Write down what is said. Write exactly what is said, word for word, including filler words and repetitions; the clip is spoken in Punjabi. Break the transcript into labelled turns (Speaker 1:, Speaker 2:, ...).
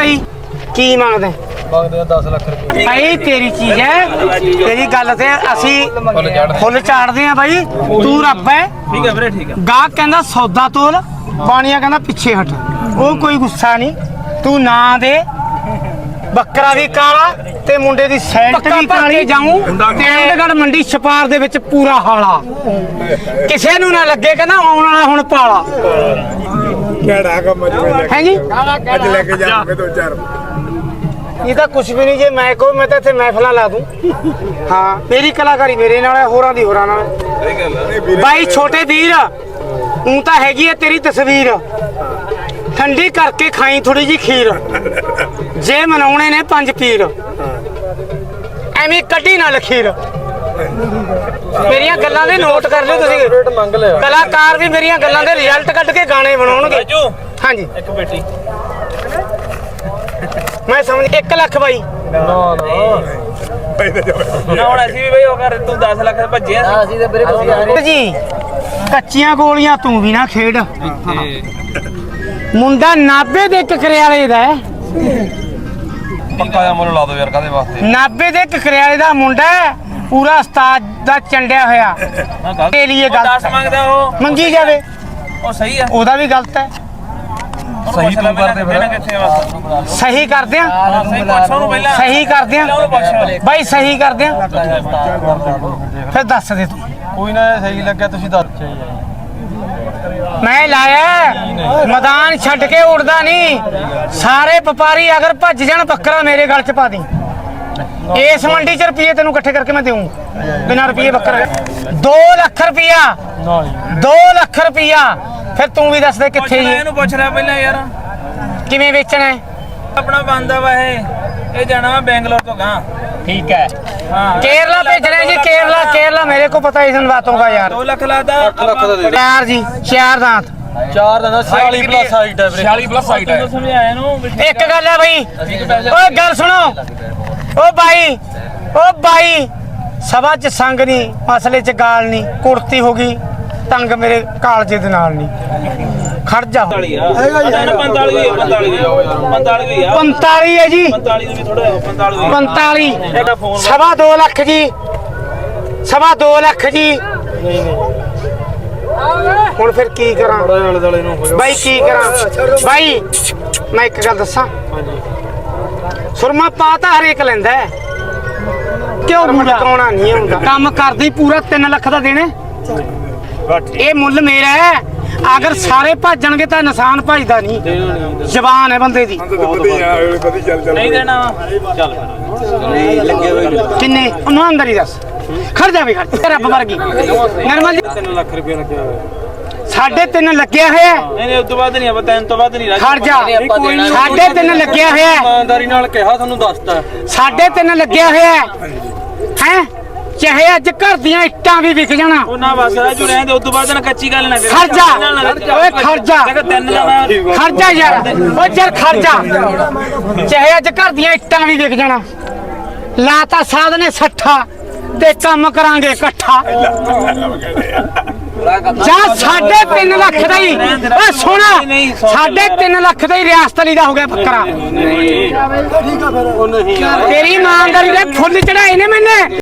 Speaker 1: भाई की मंगदे
Speaker 2: दस लाख रुपए
Speaker 1: भाई तेरी चीज है तेरी गल ते असी फुल चाड़दे आ भाई तू रब है
Speaker 2: ठीक है ठीक है
Speaker 1: गाहक कहंदा सौदा तोल बाणिया कहंदा पिछे हट वो कोई गुस्सा नहीं तू ना दे ਬੱਕਰਾ ਵੀ ਕਾਲਾ ਤੇ ਮੁੰਡੇ ਦੀ ਸੈਂਟ ਵੀ ਕਾਲੀ ਜਾਊਂ ਚੰਡੀਗੜ੍ਹ ਮੰਡੀ ਛਪਾਰ ਦੇ ਵਿੱਚ ਪੂਰਾ ਹਾਲਾ ਕਿਸੇ ਨੂੰ ਨਾ ਲੱਗੇ ਕਹਿੰਦਾ ਆਉਣ ਵਾਲਾ ਹੁਣ ਪਾਲਾ
Speaker 3: ਕਿਹੜਾ ਕੰਮ
Speaker 1: ਹੈ ਜੀ
Speaker 3: ਅੱਜ ਲੈ ਕੇ ਜਾਵਾਂਗੇ ਦੋ ਚਾਰ
Speaker 1: ਇਹ ਤਾਂ ਕੁਝ ਵੀ ਨਹੀਂ ਜੇ ਮੈਂ ਕਹੋ ਮੈਂ ਤਾਂ ਇੱਥੇ ਮਹਿਫਲਾਂ ਲਾ ਦੂੰ ਹਾਂ ਮੇਰੀ ਕਲਾਕਾਰੀ ਮੇਰੇ ਨਾਲ ਹੈ ਹੋਰਾਂ ਦੀ ਹੋਰਾਂ ਨਾਲ
Speaker 3: ਸਹੀ ਗੱਲ ਹੈ
Speaker 1: ਬਾਈ ਛੋਟੇ ਵੀਰ ਉਹ ਤਾਂ ਹੈਗੀ ਹੈ ਤੇਰੀ ਤਸਵੀਰ ਠੰਡੀ ਕਰਕੇ ਖਾਈ ਥੋੜੀ ਜੀ ਖੀਰ ਜੇ ਮਨਾਉਣੇ ਨੇ ਪੰਜ ਪੀਰ ਐਵੇਂ ਕੱਢੀ ਨਾ ਲਖੀਰ ਮੇਰੀਆਂ ਗੱਲਾਂ ਦੇ ਨੋਟ ਕਰ ਲਿਓ ਤੁਸੀਂ
Speaker 2: ਮੰਗ ਲਿਆ
Speaker 1: ਕਲਾਕਾਰ ਵੀ ਮੇਰੀਆਂ ਗੱਲਾਂ ਦੇ ਰਿਜ਼ਲਟ ਕੱਢ ਕੇ ਗਾਣੇ ਬਣਾਉਣਗੇ ਹਾਂਜੀ
Speaker 2: ਇੱਕ ਬੇਟੀ
Speaker 1: ਮੈਂ ਸਮਝ ਇੱਕ ਲੱਖ ਬਾਈ
Speaker 2: ਨਾ ਨਾ ਹੁਣ ਅਸੀਂ ਵੀ ਬਈ ਉਹ ਕਰ ਤੂੰ ਦਸ ਲੱਖ ਭੱਜਿਆ ਸੀ ਅਸੀਂ ਤੇ ਵੀਰੇ
Speaker 1: ਜੀ ਕੱਚੀਆਂ ਗੋਲੀਆਂ ਤੂੰ ਵੀ ਨਾ ਖੇਡ ਮੁੰਡਾ ਨਾਭੇ ਦੇ ਕਕਰਿਆਲੇ ਦਾ
Speaker 2: ਪੱਕਾ ਦਾ ਮੁੱਲ ਲਾ ਦੋ ਯਾਰ ਕਾਦੇ ਵਾਸਤੇ
Speaker 1: ਨਾਭੇ ਦੇ ਕਕਰਿਆਲੇ ਦਾ ਮੁੰਡਾ ਪੂਰਾ ਉਸਤਾਦ ਦਾ ਚੰਡਿਆ ਹੋਇਆ ਤੇ ਲਈ
Speaker 2: ਦਸ
Speaker 1: ਗਲਤ
Speaker 2: ਮੰਗਦਾ ਉਹ
Speaker 1: ਮੰਗੀ ਜਾਵੇ
Speaker 2: ਉਹ ਸਹੀ ਆ
Speaker 1: ਉਹਦਾ ਵੀ ਗਲਤ ਹੈ
Speaker 2: ਸਹੀ ਤੂੰ ਕਰਦੇ ਫਿਰ ਕਿੱਥੇ ਆ
Speaker 1: ਸਹੀ ਕਰਦੇ ਆ
Speaker 2: ਸਹੀ ਪੁੱਛ ਉਹਨੂੰ ਪਹਿਲਾਂ
Speaker 1: ਸਹੀ ਕਰਦੇ ਆ
Speaker 2: ਉਹਨੂੰ ਪੁੱਛ
Speaker 1: ਬਾਈ ਸਹੀ ਕਰਦੇ ਆ ਫਿਰ ਦੱਸ ਦੇ ਤੂੰ
Speaker 2: ਕੋਈ ਨਾ ਸਹੀ ਲੱਗਿਆ ਤੁਸੀਂ ਦੱਸ
Speaker 1: ਮੈਂ ਲਾਇਆ ਮੈਦਾਨ ਛੱਡ ਕੇ ਉੜਦਾ ਨਹੀਂ ਸਾਰੇ ਵਪਾਰੀ ਅਗਰ ਭੱਜ ਜਾਣ ਬੱਕਰਾ ਮੇਰੇ ਗਲ ਚ ਪਾ ਦੀ ਇਸ ਮੰਡੀ ਚ ਰੁਪਏ ਤੈਨੂੰ ਇਕੱਠੇ ਕਰਕੇ ਮੈਂ ਦੇਊਂ ਬਿਨਾਂ ਰੁਪਏ ਬੱਕਰਾ ਦੋ ਲੱਖ ਰੁਪਿਆ ਦੋ ਲੱਖ ਰੁਪਿਆ ਫਿਰ ਤੂੰ ਵੀ ਦੱਸ ਦੇ ਕਿੱਥੇ ਜੀ
Speaker 2: ਇਹਨੂੰ ਪੁੱਛ ਰਿਹਾ ਪਹਿਲਾਂ ਯਾਰ
Speaker 1: ਕਿਵੇਂ ਵੇਚਣਾ ਹੈ
Speaker 2: ਆਪਣਾ ਬੰਦਾ ਵਾ ਇਹ ਇਹ ਜਾਣਾ ਵਾ ਬੈਂਗਲੌਰ ਤੋਂ ਗਾਂ
Speaker 1: ठीक है
Speaker 2: हाँ
Speaker 1: केरला भेजना है जी केरला केरला मेरे को पता है इन बातों का यार
Speaker 2: दो लाख लादा
Speaker 1: चार जी चार दांत
Speaker 2: चार दांत छियालीस प्लस हाइट है छियालीस प्लस हाइट है समझाया नु
Speaker 1: एक गल है भाई ओए गल सुनो ओ भाई ओ भाई सभा च संग नहीं मसले च गाल नहीं कुर्ती होगी तंग मेरे कालजे दे नाल नहीं खड़ जा पैंताली है जी पैंताली सवा दो लख जी सवा दो लख जी हुण फिर की करा भाई की करा भाई मैं एक गल दसा सुरमा पा तां हरेक लैंदा क्यों मुंडा कौना नहीं हुंदा काम करदी पूरा तीन लख दा देने ये मुੱਲ मेरा है अगर सारे भजणगे तो निशान भजदा नहीं जबान है बंदे दी
Speaker 2: नहीं देना चल
Speaker 1: किन्ने ईमानदारी दस खड़ जा भी खड़ रब वर्गी निर्मल जी
Speaker 2: तीन लाख रुपया लग्या होया
Speaker 1: साढ़े तीन लग्या होया
Speaker 2: नहीं नहीं उस तो बाद नहीं अब तीन तो बाद नहीं
Speaker 1: खड़ जा साढ़े तीन लग्या होया
Speaker 2: ईमानदारी नाल कहा थानू दसता
Speaker 1: साढ़े तीन लग्या होया हैं चाहे अज घर दियां इट्टां भी विक जाना
Speaker 2: ਉਹ ਨਾ ਬਸ ਰਾਜੂ ਰਹਿਣ ਦੇ ਉਸ ਤੋਂ ਬਾਅਦ ਨਾ ਕੱਚੀ ਗੱਲ ਨਾ ਕਰ
Speaker 1: खर्चा ओए खर्चा
Speaker 2: ਦੇਖੋ ਤਿੰਨ ਜਣਾ
Speaker 1: खर्चा यार ओ यार खर्चा चाहे अज घर दियां इट्टां भी विक जाना लाता साध ने सट्ठा ते काम करांगे इकट्ठा जा साढ़े तीन लख दा ही ओ सुन साढ़े तीन लख दा ही रियासत अली दा हो गया बकरा तेरी ईमानदारी दे फुल चढ़ाए ने मैंने